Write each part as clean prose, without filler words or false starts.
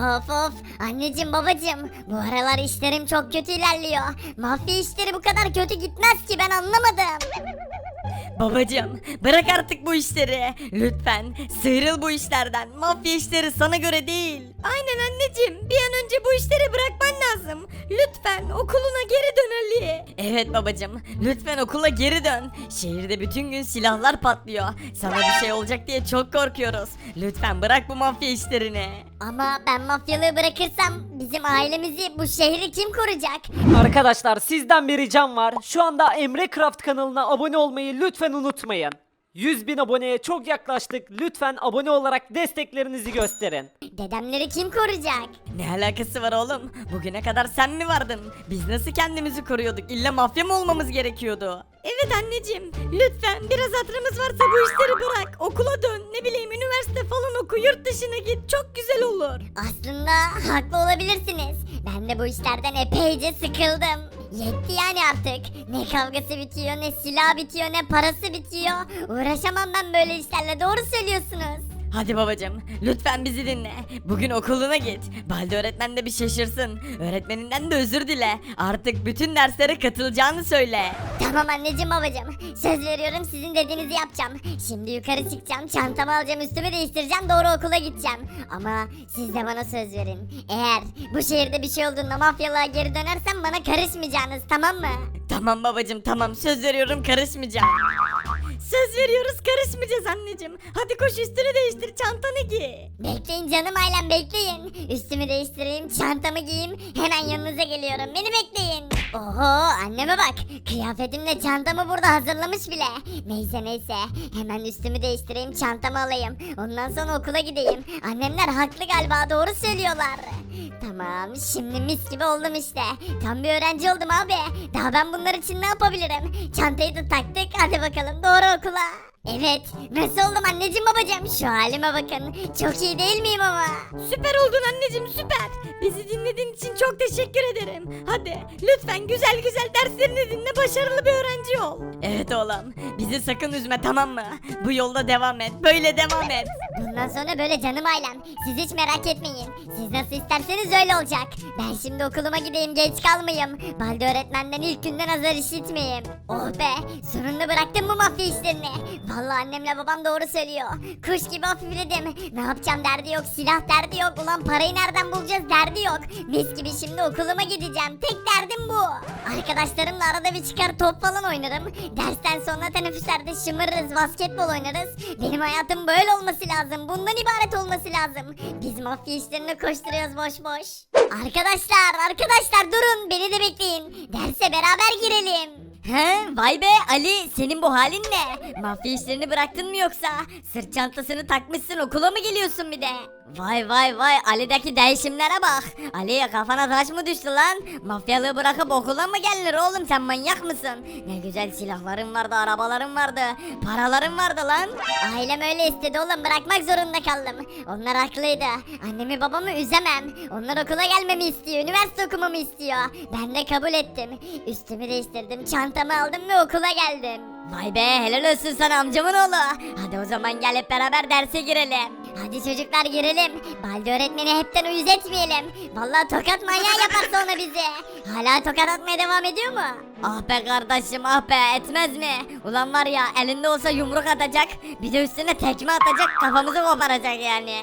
Of of anneciğim babacığım bu aralar işlerim çok kötü ilerliyor. Mafya işleri bu kadar kötü gitmez ki ben anlamadım. Babacım bırak artık bu işleri. Lütfen sıyrıl bu işlerden. Mafya işleri sana göre değil. Aynen anneciğim bir an önce bu işleri bırakman lazım. Lütfen okuluna geri dön Ali. Evet babacım lütfen okula geri dön. Şehirde bütün gün silahlar patlıyor. Sana bir şey olacak diye çok korkuyoruz. Lütfen bırak bu mafya işlerini. Ama ben mafyalığı bırakırsam bizim ailemizi bu şehri kim koruyacak? Arkadaşlar sizden bir ricam var. Şu anda Emre Craft kanalına abone olmayı lütfen unutmayın. 100.000 aboneye çok yaklaştık. Lütfen abone olarak desteklerinizi gösterin. Dedemleri kim koruyacak? Ne alakası var oğlum? Bugüne kadar sen mi vardın? Biz nasıl kendimizi koruyorduk? İlla mafya mı olmamız gerekiyordu? Evet anneciğim. Lütfen biraz hatırımız varsa bu işleri bırak. Okula dön. Ne bileyim üniversite falan oku. Yurt dışına git. Çok güzel olur. Aslında haklı olabilirsiniz. Ben de bu işlerden epeyce sıkıldım. Yetti yani artık. Ne kavgası bitiyor, ne silah bitiyor, ne parası bitiyor. Uğraşamam ben böyle işlerle, doğru söylüyorsunuz. Hadi babacım lütfen bizi dinle. Bugün okuluna git. Balde öğretmen de bir şaşırsın. Öğretmeninden de özür dile. Artık bütün derslere katılacağını söyle. Tamam anneciğim babacığım. Söz veriyorum sizin dediğinizi yapacağım. Şimdi yukarı çıkacağım, çantamı alacağım, üstümü değiştireceğim, doğru okula gideceğim. Ama siz de bana söz verin. Eğer bu şehirde bir şey olduğunda mafyalığa geri dönersem bana karışmayacaksınız, tamam mı? Tamam babacım tamam söz veriyorum karışmayacağım. Söz veriyoruz karışmayacağız anneciğim. Hadi koş üstünü değiştir çantanı giy. Bekleyin canım ailem, bekleyin. Üstümü değiştireyim, çantamı giyeyim, hemen yanınıza geliyorum. Beni bekleyin. Oho anneme bak. Kıyafetimle çantamı burada hazırlamış bile. Neyse hemen üstümü değiştireyim, çantamı alayım. Ondan sonra okula gideyim. Annemler haklı galiba, doğru söylüyorlar. Tamam şimdi mis gibi oldum işte. Tam bir öğrenci oldum abi. Daha ben bunlar için ne yapabilirim? Çantayı da taktık, hadi bakalım doğru okula. Evet, nasıl oldum anneciğim babacığım? Şu halime bakın. Çok iyi değil miyim ama? Süper oldun anneciğim süper. Bizi dinlediğin için çok teşekkür ederim. Hadi lütfen güzel güzel derslerini dinle, başarılı bir öğrenci ol. Evet oğlum bizi sakın üzme tamam mı? Bu yolda devam et, böyle devam et. Bundan sonra böyle canım ailem. Siz hiç merak etmeyin. Siz nasıl isterseniz öyle olacak. Ben şimdi okuluma gideyim, geç kalmayayım. Balde öğretmenden ilk günden azar işitmeyeyim. Oh be, sonunda bıraktım bu mafya işlerini. Vallahi annemle babam doğru söylüyor. Kuş gibi hafifledim. Ne yapacağım derdi yok, silah derdi yok. Ulan parayı nereden bulacağız derdi yok. Mis gibi şimdi okuluma gideceğim. Tek derdim bu. Arkadaşlarımla arada bir çıkar top falan oynarım. Dersten sonra teneffüslerde şımarırız, basketbol oynarız. Benim hayatım böyle olması lazım. Bundan ibaret olması lazım. Biz mafya işlerine koşturuyoruz boş boş. Arkadaşlar durun, beni de bekleyin. Derse beraber girelim. He vay be Ali, senin bu halin ne? Mafya işlerini bıraktın mı yoksa? Sırt çantasını takmışsın, okula mı geliyorsun bir de? Vay Ali'deki değişimlere bak. Ali'ye kafana taş mı düştü lan? Mafyalığı bırakıp okula mı gelinir oğlum, sen manyak mısın? Ne güzel silahların vardı, arabaların vardı, paraların vardı lan. Ailem öyle istedi oğlum, bırakmak zorunda kaldım. Onlar haklıydı. Annemi babamı üzemem. Onlar okula gelmemi istiyor, üniversite okumamı istiyor. Ben de kabul ettim. Üstümü değiştirdim, çantamı aldım ve okula geldim. Vay be helal olsun sana amcamın oğlu. Hadi o zaman gel hep beraber derse girelim. Hadi çocuklar girelim. Balde öğretmeni hepten uyuz etmeyelim. Vallahi tokat manyağı yapar sonra bizi. Hala tokat atmaya devam ediyor mu? Ah be kardeşim ah be, etmez mi? Ulan var ya elinde olsa yumruk atacak, bir de üstüne tekme atacak, kafamızı koparacak yani.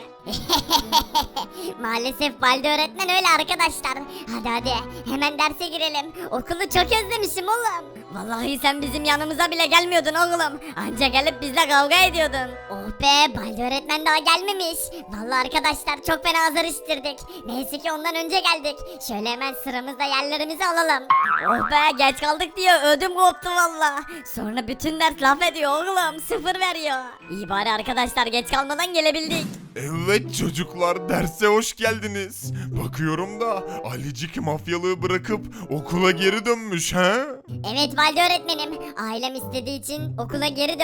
Maalesef Balde öğretmen öyle arkadaşlar. Hadi hemen derse girelim. Okulu çok özlemişim oğlum. Vallahi sen bizim yanımıza bile gelmiyordun oğlum. Anca gelip bizle kavga ediyordun. Oh be, Balde öğretmen daha gelmemiş. Vallahi arkadaşlar çok fena azar iştirdik. Neyse ki ondan önce geldik. Şöyle hemen sıramızda yerlerimizi alalım. Oh be geç kaldık diye ödüm koptu valla. Sonra bütün ders laf ediyor oğlum, sıfır veriyor. İyi bari arkadaşlar geç kalmadan gelebildik. Evet çocuklar, derse hoş geldiniz. Bakıyorum da Alicik mafyalığı bırakıp okula geri dönmüş he? Evet Balde öğretmenim. Ailem istediği için okula geri döndüm.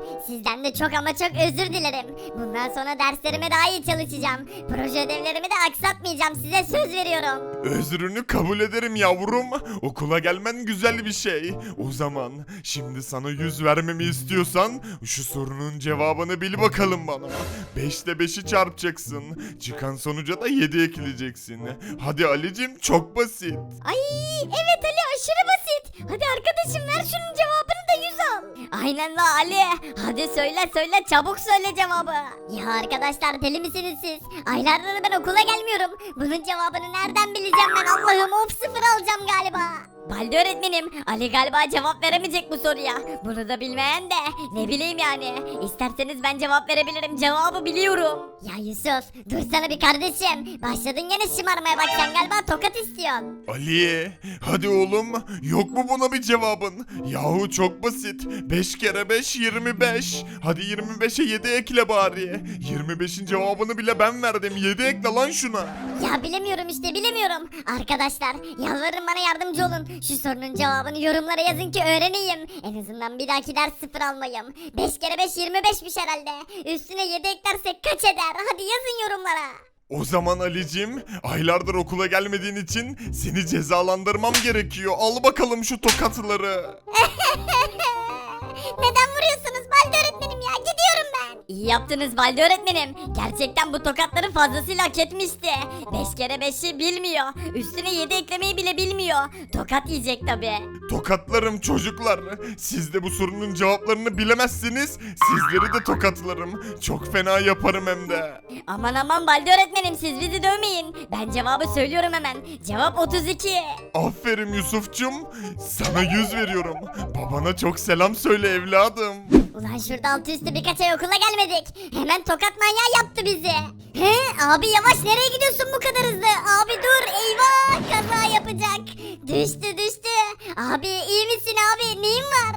Sizden de çok ama çok özür dilerim. Bundan sonra derslerime daha iyi çalışacağım. Proje ödevlerimi de aksatmayacağım, size söz veriyorum. Özrünü kabul ederim yavrum. Okula gelmen güzel bir şey. O zaman şimdi sana 100 vermemi istiyorsan şu sorunun cevabını bil bakalım bana. 5'te 5'i çarpacaksın. Çıkan sonuca da 7 ekleyeceksin. Hadi Ali'cim, çok basit. Ay evet Ali, aşırı basit. Hadi arkadaşım ver şunun cevabını da 100 al. Aynen la Ali. Hadi söyle çabuk söyle cevabı. Ya arkadaşlar, deli misiniz siz? Aylardır ben okula gelmiyorum. Bunun cevabını nereden bileceğim ben, Allah'ım, of, 0 alacağım galiba. Balde öğretmenim, Ali galiba cevap veremeyecek bu soruya. Bunu da bilmeyen de ne bileyim yani. İsterseniz ben cevap verebilirim, cevabı biliyorum. Ya Yusuf, dursana bir kardeşim. Başladın yine şımarmaya, bak sen galiba tokat istiyorsun. Ali, hadi oğlum, yok mu buna bir cevabın? Yahu çok basit. 5 kere 5 25. Hadi 25'e 7 ekle bari. 25'in cevabını bile ben verdim. 7 ekle lan şuna. Ya bilemiyorum işte, bilemiyorum. Arkadaşlar yalvarırım, bana yardımcı olun. Şu sorunun cevabını yorumlara yazın ki öğreneyim. En azından bir dahaki ders 0 almayayım. 5 kere 5 25'miş herhalde. Üstüne 7 eklersek kaç eder? Hadi yazın yorumlara. O zaman Ali'cim, aylardır okula gelmediğin için seni cezalandırmam gerekiyor. Al bakalım şu tokatları. Neden vuruyorsunuz Balde öğretmenim ya? Gidiyorum ben. İyi yaptınız Balde öğretmenim. Gerçekten bu tokatları fazlasıyla hak etmişti. 5 kere 5'i bilmiyor. Üstüne 7 eklemeyi bile bilmiyor. Tokat yiyecek tabi. Tokatlarım çocuklar. Siz de bu sorunun cevaplarını bilemezsiniz. Sizleri de tokatlarım. Çok fena yaparım hem de. Aman aman Balde öğretmenim, siz bizi dövmeyin. Ben cevabı söylüyorum hemen. Cevap 32. Aferin Yusuf'cum. Sana 100 veriyorum. Babana çok selam söyle evladım. Ulan şurada altı üstü birkaç ay okula gelmedik. Hemen tokat manyağı yaptı bizi. He abi, yavaş, nereye gidiyorsun bu kadar hızlı? Abi dur, eyvah, kaza yapacak. Düştü. Abi iyi misin abi, neyin var?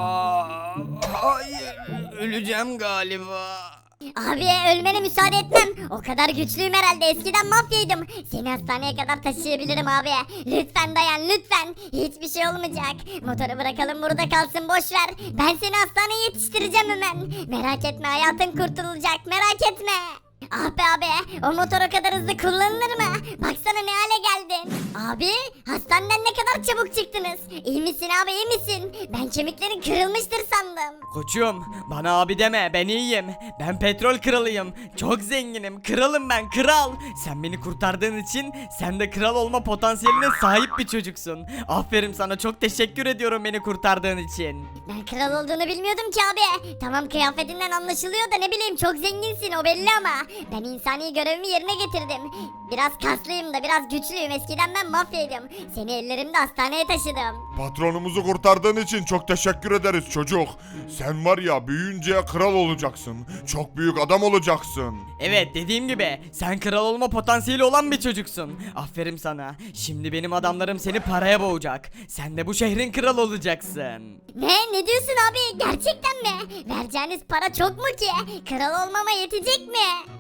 Hayır, öleceğim galiba. Abi ölmene müsaade etmem. O kadar güçlüyüm herhalde, eskiden mafyaydım. Seni hastaneye kadar taşıyabilirim abi. Lütfen dayan, lütfen. Hiçbir şey olmayacak. Motoru bırakalım burada kalsın, boş ver. Ben seni hastaneye yetiştireceğim hemen. Merak etme, hayatın kurtulacak, merak etme. Ah be abi, o motor o kadar hızlı kullanılır mı? Baksana ne hale geldin. Abi hastaneden ne kadar çabuk çıktınız. İyi misin abi, iyi misin? Ben kemiklerin kırılmıştır sandım. Koçum, bana abi deme, ben iyiyim. Ben petrol kralıyım. Çok zenginim. Kralım ben, kral. Sen beni kurtardığın için sen de kral olma potansiyeline sahip bir çocuksun. Aferin sana, çok teşekkür ediyorum beni kurtardığın için. Ben kral olduğunu bilmiyordum ki abi. Tamam, kıyafetinden anlaşılıyor da ne bileyim, çok zenginsin, o belli ama. Ben insani görevimi yerine getirdim. Biraz kaslıyım da biraz güçlüyüm. Eskiden ben mafyaydım. Seni ellerimde hastaneye taşıdım. Patronumuzu kurtardığın için çok teşekkür ederiz çocuk. Sen var ya, büyüyünce kral olacaksın. Çok büyük adam olacaksın. Evet, dediğim gibi sen kral olma potansiyeli olan bir çocuksun. Aferin sana. Şimdi benim adamlarım seni paraya boğacak. Sen de bu şehrin kralı olacaksın. Ne diyorsun abi, gerçekten mi? Vereceğiniz para çok mu ki? Kral olmama yetecek mi?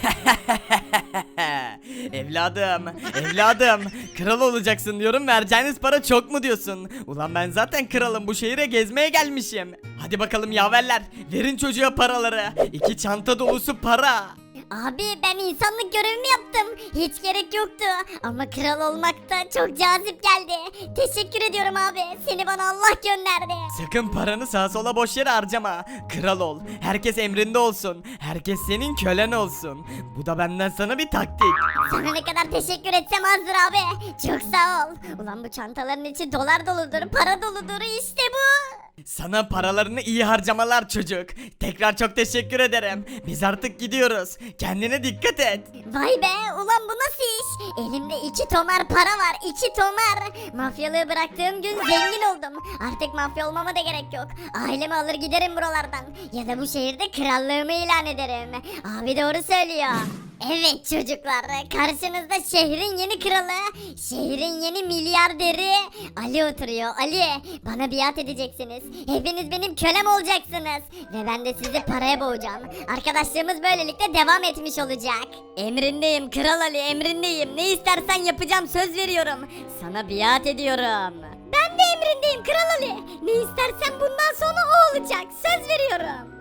evladım, kral olacaksın diyorum, vereceğiniz para çok mu diyorsun? Ulan ben zaten kralım, bu şehire gezmeye gelmişim. Hadi bakalım yaverler, verin çocuğa paraları. 2 çanta dolusu para. Abi ben insanlık görevimi yaptım. Hiç gerek yoktu. Ama kral olmak da çok cazip geldi. Teşekkür ediyorum abi. Seni bana Allah gönderdi. Sakın paranı sağa sola boş yere harcama. Kral ol, herkes emrinde olsun. Herkes senin kölen olsun. Bu da benden sana bir taktik. Sana ne kadar teşekkür etsem azdır abi. Çok sağ ol. Ulan bu çantaların içi dolar doludur, para doludur, işte bu. Sana paralarını iyi harcamalar çocuk. Tekrar çok teşekkür ederim. Biz artık gidiyoruz. Kendine dikkat et. Vay be, ulan bu nasıl iş? Elimde 2 tomar para var, 2 tomar. Mafyalığı bıraktığım gün zengin oldum. Artık mafya olmama da gerek yok. Ailemi alır giderim buralardan. Ya da bu şehirde krallığımı ilan ederim. Abi doğru söylüyor. Evet çocuklar, karşınızda şehrin yeni kralı, şehrin yeni milyarderi Ali oturuyor. Ali, bana biat edeceksiniz. Hepiniz benim kölem olacaksınız. Ve ben de sizi paraya boğacağım. Arkadaşlığımız böylelikle devam etmiş olacak. Emrindeyim Kral Ali, emrindeyim. Ne istersen yapacağım, söz veriyorum. Sana biat ediyorum. Ben de emrindeyim Kral Ali. Ne istersen bundan sonra o olacak, söz veriyorum.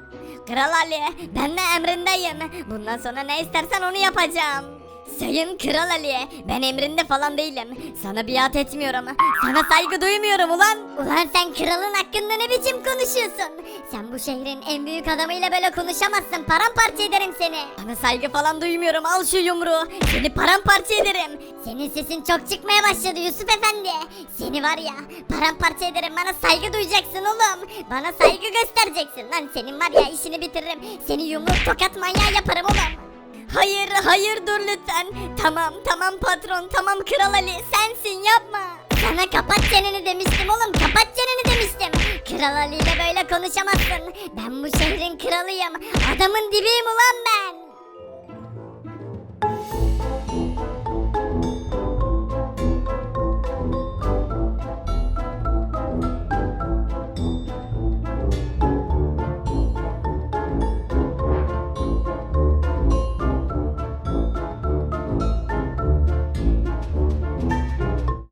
Kral Ali, ben de emrindeyim. Bundan sonra ne istersen onu yapacağım. Sayın Kral Ali, ben emrinde falan değilim. Sana biat etmiyorum. Sana saygı duymuyorum ulan. Ulan sen kralın hakkında ne biçim konuşuyorsun? Sen bu şehrin en büyük adamıyla böyle konuşamazsın. Paramparça ederim seni. Sana saygı falan duymuyorum. Al şu yumruğu. Seni paramparça ederim. Senin sesin çok çıkmaya başladı Yusuf Efendi. Seni var ya paramparça ederim. Bana saygı duyacaksın oğlum. Bana saygı göstereceksin. Lan senin var ya işini bitiririm. Seni yumruk tokat manyağı yaparım oğlum. Hayır hayır dur lütfen. Tamam patron, tamam Kral Ali, sensin, yapma. Sana kapat çeneni demiştim oğlum, kapat çeneni demiştim. Kral Ali ile böyle konuşamazsın. Ben bu şehrin kralıyım. Adamın dibiyim ulan ben.